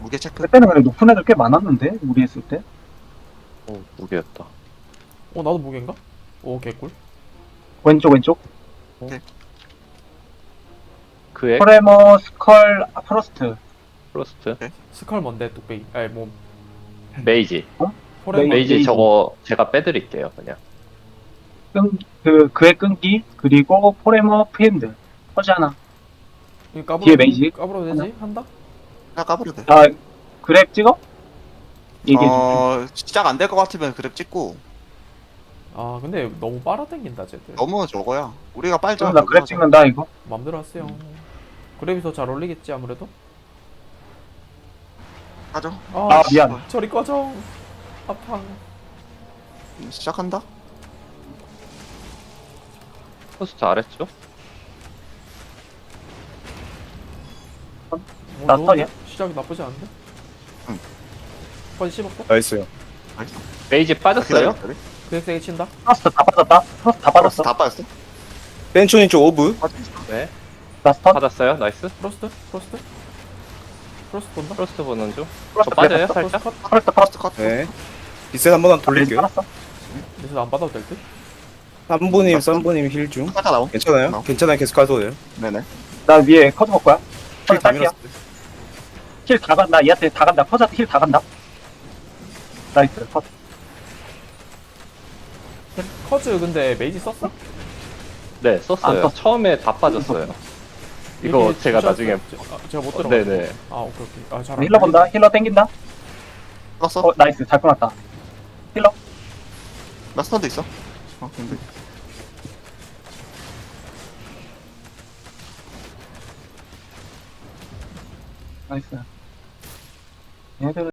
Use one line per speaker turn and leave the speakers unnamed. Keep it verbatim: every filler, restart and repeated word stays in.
무게 체크.
그때는 근데 높은 애들 꽤 많았는데 우리 했을 때.
오, 무게였다.
어 나도 무게인가? 오 개꿀.
왼쪽 왼쪽.
그액
포레머 스컬 아, 프로스트.
프로스트
스컬 뭔데 뚝배기. 아니 뭐
메이지
포레머.
메이지
메이지.
저거 제가 빼드릴게요 그냥.
끈그 그의 끈기 그리고 포레머 프핸드. 허지 하나.
이거 까불어.
뒤에 메이지?
까불어도 되지? 한다?
나 까버려 돼.
아 그랩 찍어? 이게
어 시작 안 될 것 같으면 그랩 찍고.
아 근데 너무 빨아당긴다 쟤들.
너무 저거야. 우리가 빨자.
나 그랩 찍는다 이거.
맘대로 하세요. 그랩이 더 잘 어울리겠지 아무래도.
가죠.
아,
아
씨,
미안.
저리 꺼져. 아팡.
시작한다.
프로스트 아래쪽
뭐
나
좋은데?
턴이야?
시작이 나쁘지 않은데?
응.
빨리 씹었고.
나이스요.
메이지 빠졌어요.
그렉 세게 친다.
프로스트 다 빠졌다. 프로스트 다
빠졌어.
빠졌어.
다 빠졌어.
벤초님 쪽 오브.
네
나 스턴.
받았어요. 나이스.
프로스트? 프로스트? 프로스트 본다?
프로스트 보는 중. 저
프로스트
빠져요
그랩
살짝.
프로스트 컷?
프로스트
퍼스트 컷.
네. 비셋 한번 돌릴게요.
알았어.
그래서 안 받아도 될 듯?
삼분님, 삼분님 힐 중.
살짝 나옴.
괜찮아요?
나옴.
괜찮아요. 계속 가도 돼요.
네네.
나 위에 커즈 볼 거야.
힐 다
딸피야.
밀었어요.
힐다 간다. 얘한테 다 간다. 커즈한테 힐 다 간다. 나이스. 컷.
커즈 근데 메이지 썼어?
네
안
썼어요.
썼어.
처음에 다 빠졌어요. 이거
이게
제가
진짜
나중에
제- 아, 제가 못
어,
들어가.
네네.
아 오케이 오케이. 아 잘.
힐러 본다. 힐러 땡긴다.
끊었어.
어 나이스. 잘 끊었다. 힐러.
나 스턴도 있어. 어 근데
나이스. 얘들